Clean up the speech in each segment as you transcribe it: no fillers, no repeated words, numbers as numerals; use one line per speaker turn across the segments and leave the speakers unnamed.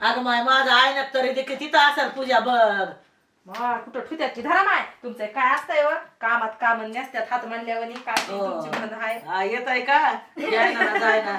अगं माय माझं आईनं तरी देखील तिथं असेल पूजा बघ.
मग कुठं ठुत्यात की धरा माय तुमचं काय असतंय व कामात काम नसत्यात हात मांडल्यावर काय ती तुमची म्हणत आहे.
येत आहे का यायना ना जायना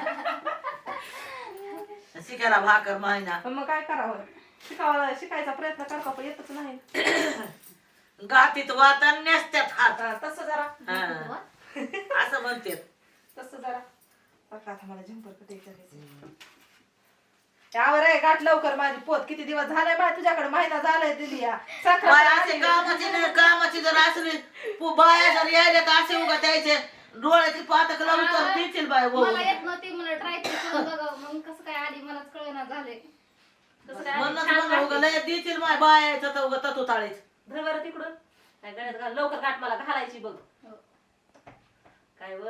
शिकायला भाकर मायना
पण मग काय करावं शिकायचा प्रयत्न करतो पण येतच नाही.
गातीत वाता नेसत्यात हात
तसं जरा
असं म्हणते.
तसं जरा बघा आता मला झंपर कटायचं यावर आहे गाठ लवकर माझी पोत किती दिवस झालाय बाय तुझ्याकडे महिना झालाय दिली या
कामाची जर असली बाया जर यायला तर असे उगा द्यायचे डोळ्याची पातक लावून तर देतील बाय.
मला येत नव्हती मला ट्राय करून बघावं मग कसं काय आधी मलाच कळेना झाले
म्हणून लय देतील माय बायाचं तर उगा तू ताळीच
धर बरं तिकडून काय गळ्यात घाल लवकर गाठ मला घालायची बघ. काय व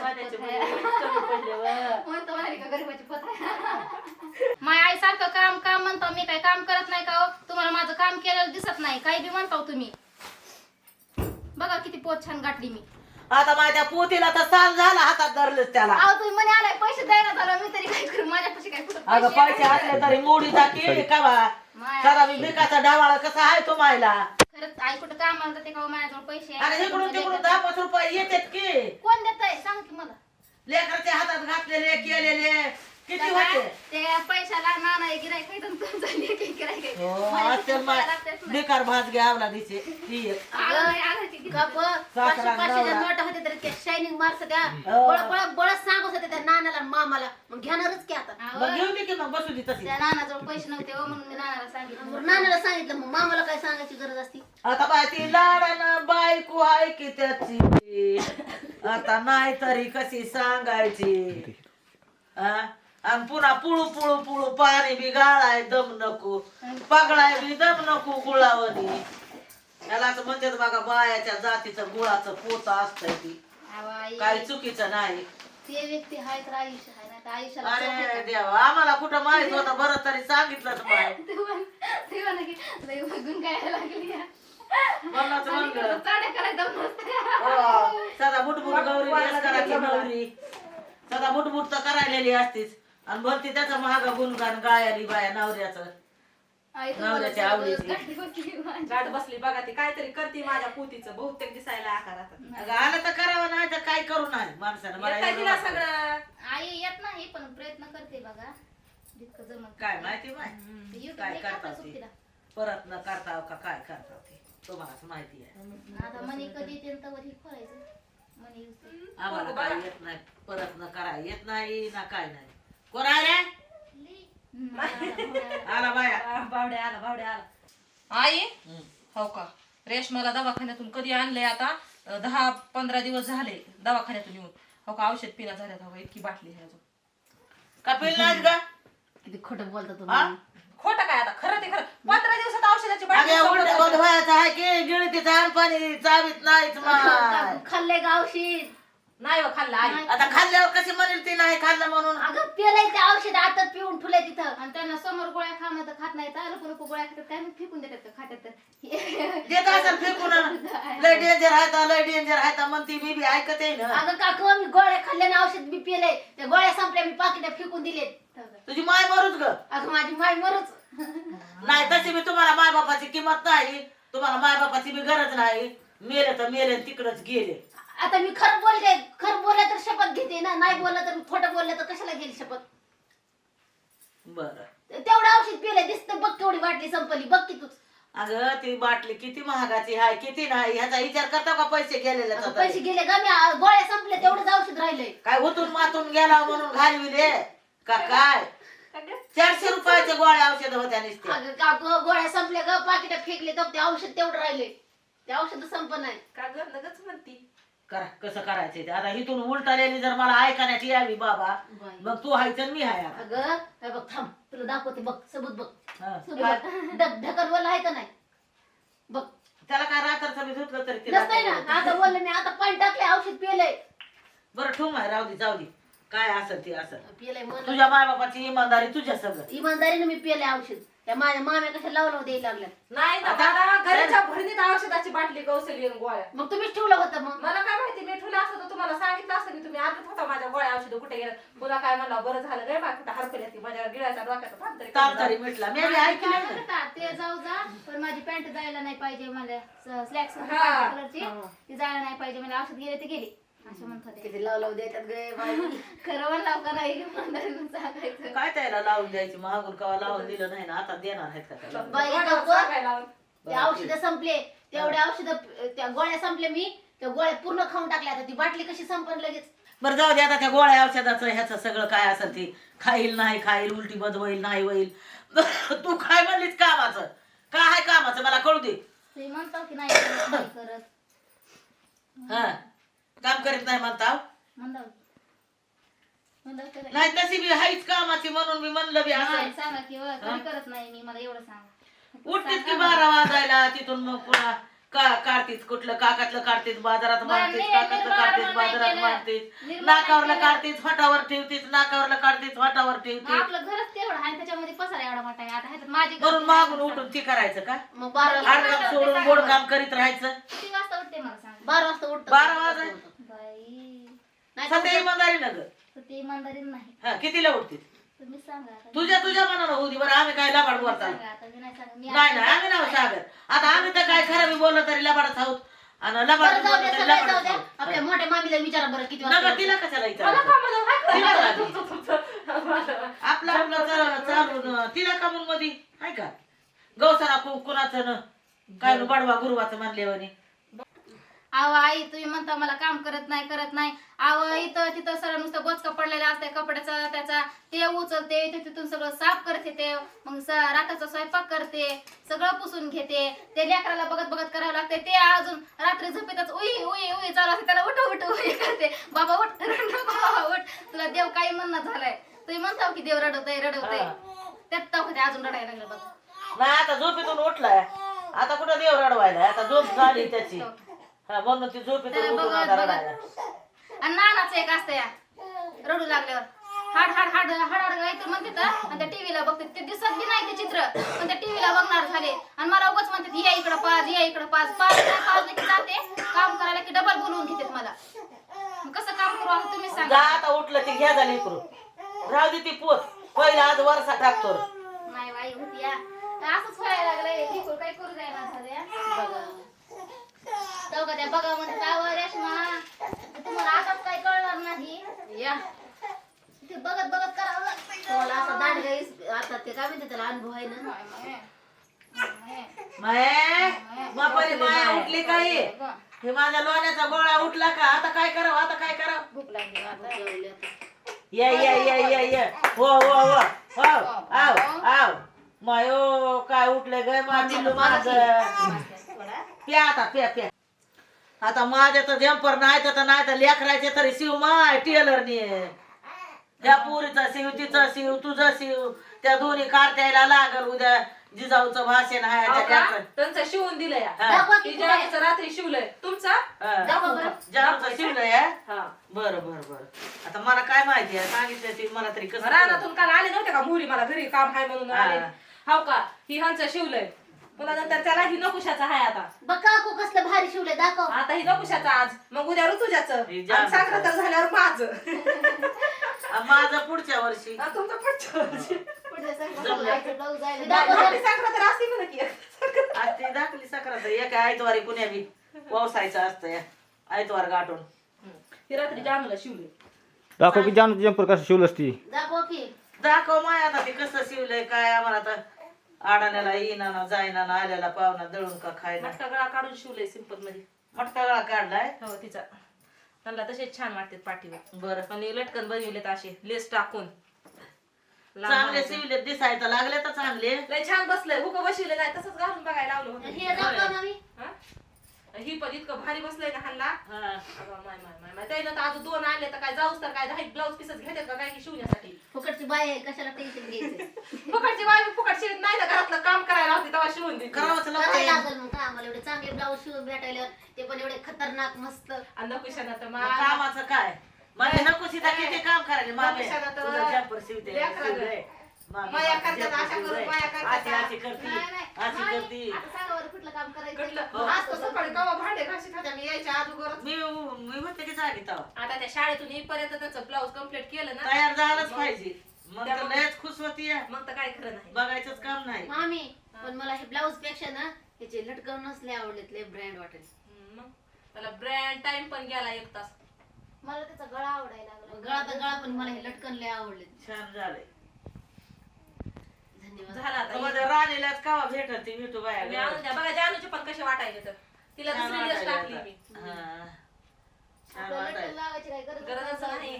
माय आई सारखं काम काम म्हणतो मी काय काम करत नाही का हो? तुम्हाला माझं काम केलेलं दिसत नाही काही बी म्हणताव तुम्ही. बघा किती पोत छान गाठली मी.
आता माझ्या पोतीला तर साल झाला हातात धरलंच त्याला.
अहो तुम्ही म्हणे आलाय पैसे द्यायला झालं मी तरी काय करू माझ्यापाशी काय कुठं
अगं पैसे असले तरी मोडी टाकी का बा सदा मी भिकाचा डावाळा कसा आहे तो मायला.
खरंच आई कुठं कामाला जाते का हो? माझ्याजवळ पैसे
अरे इकडून तिकडून 10-5 रुपये येतात की
कोण देतंय सांग की मला.
लेकराच्या हातात घातलेले केलेले किती होते.
ते पैशाला नाना गिराय काही
बेकार भात घ्यावला दिसे ती एक.
नोटा होते तर त्या शायनिंग मार्क्स त्या बळच सांगत होते त्या नानाला मामाला मग घेणारच की आता.
मग घेऊन दे की मग बसू दे तशी.
त्या नानाजवळ पैसे नव्हते हो म्हणून मी नानाला सांगितलं.
मग नानाला सांगितलं मग मामाला काय सांगायची गरज असती.
आता बाय ती लाडानं बायको आहे की त्याची आता नाही तरी कशी सांगायची. आणि पुन्हा पुळू पुळू पुळू पाणी बी गाळाय दम नको पगळाय बी दम नको गुळावणी. त्यालाच म्हणतात बघा बायाच्या जातीचं गुळाचं पोत असतंय ती काही चुकीचं नाही.
ते व्यक्ती आहे तर आयुष्य आहे नाही तर आयुष्याला
अरे देवा आम्हाला कुठं माहित होतं बरं तरी सांगितलंच माय.
ते म्हणा की लय बघून काय लागली
म्हणूनच म्हणलं
चाड्या करायचं नसतं.
सदा बुटबुट गौरी नेस करायची नवरी सदा बुटबुट तर करायलेली असतीच आणि भरती त्याचा महागा गुणगान गायली बाया नवऱ्याचं नवऱ्याच्या आवडीची.
गाठ बसली बघा ती काहीतरी करते माझ्या पोतीचं बहुतेक दिसायला आकारात.
अगं आलं तर करावं नाही तर काय करू नाही माणसानं मला
येतंय
एवढं
तिला
वाटतं.
सगळं
आई येत नाही पण प्रयत्न करते बघा जितकं जमत.
काय माहिती माय काय करता ते परत न करता का काय करता ते तुम्हालाच माहिती आहे.
आता मनी कधी येते तवर ही खोलायचं मनी use.
आम्हाला काय येत नाही परत न कराय येत नाही ना काय नाही. कोण आहे आला बाया
बावड्या आला आई हो का रेशमाला दवाखान्यातून कधी आणलंय आता 10-15 दिवस झाले दवाखान्यातून येऊन. हो का औषध पिला झाल्यात हो इतकी बाटली आहे अजून.
का पिल नाही का
किती खोटं बोलता
हा?
तुम्ही.
खोटं काय आता खरं ते खरं 15 दिवसात औषधाची बाटली
अगं
संपत
उलट
नाही.
व्हायचं आहे की गिळतीचं पाणी चावीत नाहीच माय.
खाल्ले गावशीत
नाही हो खाल्लं आई.
आता खाल्ल्यावर कशी म्हणेल ती नाही खाल्लं म्हणून.
अगं पेलाय ते औषध आता पिऊन ठुले तिथं.
आणि त्यांना समोर गोळ्या खाणं तर खात नाही तर नको गोळ्या खातात काय मग फेकून देतात का खात्यात तर
देत असेल फेकून लय डेंजर आहे लय डेंजर आहे म्हणती मी बी ऐकते ना.
अगं काकू मी गोळ्या खाल्ल्याने औषध बी पेलय त्या गोळ्या संपल्या मी पाकिट फेकून दिलेत.
तुझी माय मरूच ग.
अगं माझी माय मरूच.
नाही तशी मी तुम्हाला माय बापाची किंमत नाही तुम्हाला माय बापाची बी गरज नाही. मेले तर मेले तिकडच गेले.
आता मी खरं बोलले तर शपथ घेते ना नाही बोललं तर खोटं बोललं तर कशाला घेईल शपथ.
बर
तेवढं औषध पिलंय दिसतं बघ केवढी बाटली संपली बघ की तूच.
अगं ती बाटली किती महागाची आहे किती नाही ह्याचा विचार करता का पैसे गेलेले
अगं पैसे गेले का मी गोळ्या संपल्या तेवढंच औषध राहिलंय.
काय उतून मातून गेला म्हणून घालविले का काय 400 रुपयाच्या गोळ्या औषध होत्या नुसत्या.
अगं काकू गोळ्या संपल्या ग पाकिट फेकले तर ते औषध तेवढं राहिले ते औषध संप नाही.
का ग लगच म्हणती
करा कसं करायचं ते आता इथून उलटालेली जर मला ऐकण्यात यावी बाबा मग तू हाय तर मी हाय आता.
अगं हे बघ थांब तुला दाखवते बघ सबूत बघ
हा.
ढकलवाला आहे का नाही बघ.
त्याला काय रात्रचं मी धुतलं तरी तिला
नसतंय ना आता बोलले मी आता पाणी टाकले औषध पिलंय.
बरं ठेवू माय राहू दे जाऊ दे काय असेल ते असेल.
पिलंय म्हणलं
तुझ्या माय बापाची इमानदारी तुझ्या सगळं.
इमानदारीने मी पिले औषध त्या माझ्या माम्या कशा लावलं द्यायला लागल्यात.
नाही ना मला घराच्या भरणीत औषधाची बाटली गौसली आणि गोळ्या.
मग तुम्हीच ठेवलं होतं मग.
मला काय माहिती मी ठेवलं असतं तर तुम्हाला सांगितलं असतं की तुम्ही आणत होता माझ्या गोळ्या औषध कुठे गेल्या. तुला काय म्हणलं बरं झालं रे बा कुठं हरकल्या ती माझ्या गिळाच्या डोक्यात
ताप तरी मिटला मी बी ऐकलं
काय
ना.
म्हणत होता, ते जाऊ जा पण माझी पॅन्ट जायला नाही पाहिजे मला स्लॅक्स
हा.
कलरची ती जायला नाही पाहिजे मला औषध गेले ते गेली असं म्हणत होते.
किती लावलं देतात गे बाई.
खरं म्हणलं का नाही मंदारीनं सांगायचं.
काय त्याला लावून द्यायची महागून कवा लावून दिलं नाही ना आता देणार आहेत का त्याला.
बाई गप्प. ते औषध संपले तेवढे औषध त्या गोळ्या संपले मी त्या गोळ्या पूर्ण खाऊन टाकल्या. आता ती बाटली कशी संपन लगेच.
बरं जाऊ दे आता त्या गोळ्या औषधाचं ह्याचं सगळं काय असेल ती खाईल नाही खाईल उलटी बद होईल नाही होईल. तू काय म्हणलीस कामाचं काय आहे कामाचं मला कळू दे.
ते म्हणतो की नाही करत, नाही करत
हा काम करीत नाही म्हणता
म्हणलं
नाही तशी बी हाईच कामाची म्हणून मी म्हणलं बी असं
सांगा की कधी करत नाही मी मला एवढं सांगा.
उठतीच की 12 वाजायला तिथून मग पुन्हा काढतीस कुठलं काकातलं काढतीस बाजारात मारतीस काकातलं काढतीस बाजारात मारतीस नाकावरला काढतीस फाटावर ठेवतीस नाकावरला काढतीस फाटावर ठेवतीस.
आपलं घरच तेवढं आहे त्याच्यामध्ये पसारा एवढा मोठा आहे. आता ह्याच्यात माझी
म्हणून मागून उठून ती करायचं का
मग 12
आडकाम सोडून गोड काम करीत राहायचं.
किती वाजता उठते मला सांगा.
12 वाजता उठतो.
12 वाजाय
बाई
सध्या इमानदारी न ग.
तर ते इमानदारी नाही.
हा कितीला उठतीस
तुम्ही सांगा आता.
तुझ्या मनानं होती बरं आम्ही काय लबाड बोलता
सांगा आता मी नाही सांगा. मी
नाही आम्ही नाही सागर आता आम्ही तर काय खरं मी बोललो तरी लबाडच आहोत आणि लबाड
बरं जाऊ
बोललो
द्या
तरी
सगळं जाऊ
लबाडच
द्या.
आहोत.
आपल्या मोठ्या मामीला विचारा बरं किती
नका
वाजता.
तिला कशाला विचारायचं? आपला चालून तिला का म्हणून मध्ये आहे का गौसाला कुणाचं काय बडवा गुरुवाचं म्हणले
आव आई तुम्ही म्हणता मला काम करत नाही आव इथं तिथं सगळं नुसतं बोचका पडलेला असते कपड्याचा त्याचा ते उचलते ते तिथून सगळं साफ करते ते मग रात्रीचा स्वयंपाक करते सगळं पुसून घेते ते लेकराला बघत करावं लागते ते अजून रात्री झोपेतच उई उई उई चालू असते त्याला उठ उई करते बाबा उठ बाबा उठ तुला देव काही म्हणणं झालंय तुम्ही म्हणता की देव रडवतय त्यात होते अजून रडायला लागलं बघ.
नाही आता झोपेतून उठलाय आता कुठं देव रडवायला आता झोप झाली त्याची हा म्हणून ती झोपेतून उठून आता रडायला.
आणि नानाचं एक असतं या रडू लागल्यावर हाड हाड हाड हाड हाड गायचं म्हणते तर आणि त्या टीव्हीला बघते ते दिसत बी नाही ते चित्र पण त्या टीव्हीला बघणार झाले आणि मला उगाच म्हणतात या इकडं पाच की जाते काम करायला की डबल बोलवून घेतात मला. मग कसं काम करू आता तुम्ही
जा
सांगा.
आता उठलं ती घ्या झाली करून राहू दे ती पोच पहिला आज वरसा टाकतो.
नाही बाई होती या असंच व्हायला लागलंय लिकूर काही करू द्यायला झालं बघा त्या बघा म्हणजे काय रेशमा तुम्हाला आताच काही कळणार नाही
या
ते बघत करावं लागतं.
तुम्हाला असं दांड आता ते काय म्हणते त्याला अनुभव आहे ना.
माया उठली काही हे माझ्या लोण्याचा गोळा उठला का आता काय करावं
भूक लागली आता.
ये हो आव मायो काय उठले ग माझं प्या आता प्या आता माझ्या तर जम्पर नाही तर लेकरायचे तरी शिव माय टेलरने त्या पुरीचा शिव तिचा शिव तुझा शिव त्या दोन्ही कार्ट्याला लागल उद्या जिजाऊचं भाषण आहे
त्यांचं शिवून दिलंय
दाखवा की
तिच्या रात्री शिवलंय तुमचा
दाखवा बरं.
जाऊचं शिवलंय
हा
बरं आता मला काय माहिती आहे सांगितलं ती मला तरी कसं
रानातून काल आले नव्हते का मुली मला घरी काम आहे म्हणून आले हो का ही ह्यांचं शिवलंय पुन्हा नंतर त्याला ही नकुशाचा आहे आता
बघ काकू कसलं भारी शिवलंय दाखव.
आता ही नकुशाचा आज मग उद्या ऋतुजाचं
ही
आणि साखर झाल्यावर माझं
माझं पुढच्या वर्षी
आणि तुमचं पुढच्या वर्षी.
पुढच्या संकल्प जायचं, ब्लाऊज जायचं.
दाखव
आपली साखर तर असते म्हणा की
आज ती दाखली सक्रात एक आयतवारी कुण्या बी व्यवसायचं असतं या आयतवार गाठून
ही रात्री जानूला शिवले
दाखव की जानू जम्पर कसं शिवलंस ती
दाखव की.
दाखव माय आता ते कसं शिवलंय काय आम्हाला तर आडाण्याला येईना ना जायना ना आल्याला पाहुणा दळून का खायला
मटका गळा काढून शिवलंय सिंपल मध्ये
मटका गळा काढलाय
हो तिचा त्यांना तसेच छान वाटतात पाठीवर
बरं
आणि लटकन बनविलेत असे लेस टाकून
चांगले शिवले दिसायला लागले तर चांगले
लय छान बसलंय हुक बसविले नाही तसंच घालून बघायला लावलं होतं
हे दाखव ना मी.
हा? ही पण इतकं भारी बसलंय ना ह्यांना
हा.
अगं माय त्यानं तर अजून 2 आणले तर काय जाऊस तर काय 10 ब्लाऊज पीसच घेतात का काय की शिवण्यासाठी
फुकटची बाई आहे कशाला टेन्शन घ्यायचं.
फुकटची बाई फुकट शिवत नाही ना घरातलं काम करायला होती तेव्हा शिवून देते
करावंच
करायला
लागतं
लागल मग काय आम्हाला एवढे चांगले ब्लाऊज शिवून भेटायला ते पण एवढे खतरनाक मस्त.
आणि नकुशानं तर
मग कामाचं काय माझे नको सीता किती काम करायला मागे
नकुशानं तर
तुझं जम्पर शिवते
लेकराला.
शिवलंय. मागे
माया
जम्पर
करतात अशा
शिवलंय.
करून माया करतात
अशी करती
नाही, नाही.
अशी
नाही.
करती
आता सांगा बरं कुठलं काम करायचं
कुठलं आज तर सकाळी कवा भांडे घाशी खात्या मी यायच्या अगोदरच.
मी म्हणते की जागी तेव्हा
आता त्या शाळेतून येईपर्यंत त्याचं ब्लाऊज कम्प्लीट केलं ना
तयार झालंच पाहिजे मग तर लयच खुश होती
मग तर काय खरं नाही.
बघायचंच काम नाही
मामी पण मला हे ब्लाऊज पेक्षा ना त्याचे लटकवूनच लय आवडलेत लय ब्रँड वाटेल
मग त्याला ब्रँड टाइम पण गेला 1 तास.
मला त्याचा गळा आवडायला लागला
गळा तर गळा पण मला हे लटकन लय आवडले
छान झालंय
धन्यवाद
झाला आता
माझ्या राणीलाच कावा भेटत ती भेटू
मी
बाया
आणून द्या बघा जानूचे पण कसे वाटायचे तर तिला
छान
दुसरी ड्रेस
वाटायला
टाकली
आता.
मी
हा. छान
आपल्याला लटकन
वाटायला
लावायची काय गरज
गरजच नाही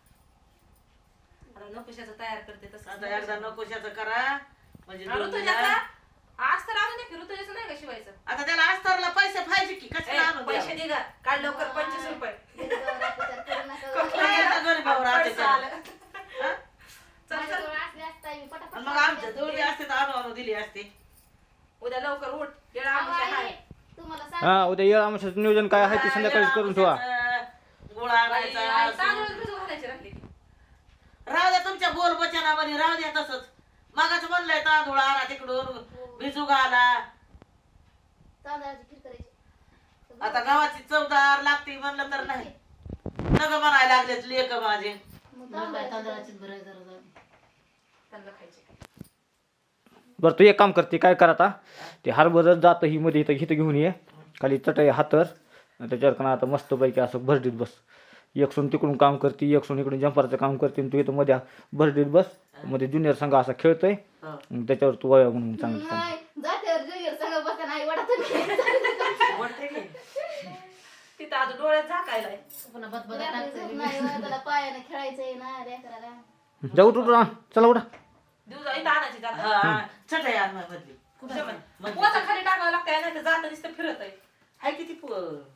आता नकोशाचं तयार करते तसं
आता एकदा नकोशाचं करा म्हणजे
ऋतुजाचा आज तर आणून द्या की ऋतुजाचं नाही का शिवायचं.
आता त्याला अस्तरला पैसे पाहिजे की कशाला आणून
पैसे
द्यावं?
दे गा काढ लवकर 25 रुपये.
विचार करू नका.
काय आता गरीबावर राहते
पैसा
त्याला?
आला.
हा?
चल चल
माझ्याजवळ असले असता मी पटापट
आणि मग आमच्या जोडी असते तर आणून दिली असते
उद्या लवकर उठ येडा
अहो,
आमुष्या
आई,
आहे.
तुम्हाला सांग
हा उद्या येळ आमच्याचं नियोजन काय आहे ते संध्याकाळीच करून ठेवा
गुळ
आई,
आणायचा
तांदूळ भिजू घालायची राहिली ती.
राहू द्या तुमच्या बोल बचनामध्ये राहू द्या तसंच मागाच म्हणलंय तांदूळ आणा तिकडून भिजू घाला
तांदळाची खीर करायची
आता गव्हाची चवदार लागते म्हणलं तर नाही नग म्हणायला लागलेत लेक माझे
मग
मला काय
तांदळाची
तांदळाची बरं जरा जाऊ.
त्यांना खायचे.
बरं तू एक काम करते काय कर आता ते हरभरच जातं ही मध्ये इथं घेऊन ये खाली चटई हातर आणि त्याच्यावर का आता मस्तपैकी असं भरडीत बस एक सून तिकडून काम करते एक सून इकडून जंपरचं काम करते आणि तू इथं मध्ये भरडीत बस मध्ये ज्युनियर संघ असा खेळतोय
हो.
आणि त्याच्यावर तू वया म्हणून चांगलं सांग
नाही जाते जुनियर सगळं बसता नाही वाटत
वाटते की?
तिथं आज डोळ्यात झाकायला आहे.
पुन्हा बदबदा टाकते
नाही त्याला पायाने खेळायचंय ना रे करायला
जाऊ तू चला उठा
दिवसा इथं आणायची जाता.
हा चटई आण मधली
पोचा खाली टाकावं लागतंय नाही तर जाता नुसतं फिरत आहे.
हाय किती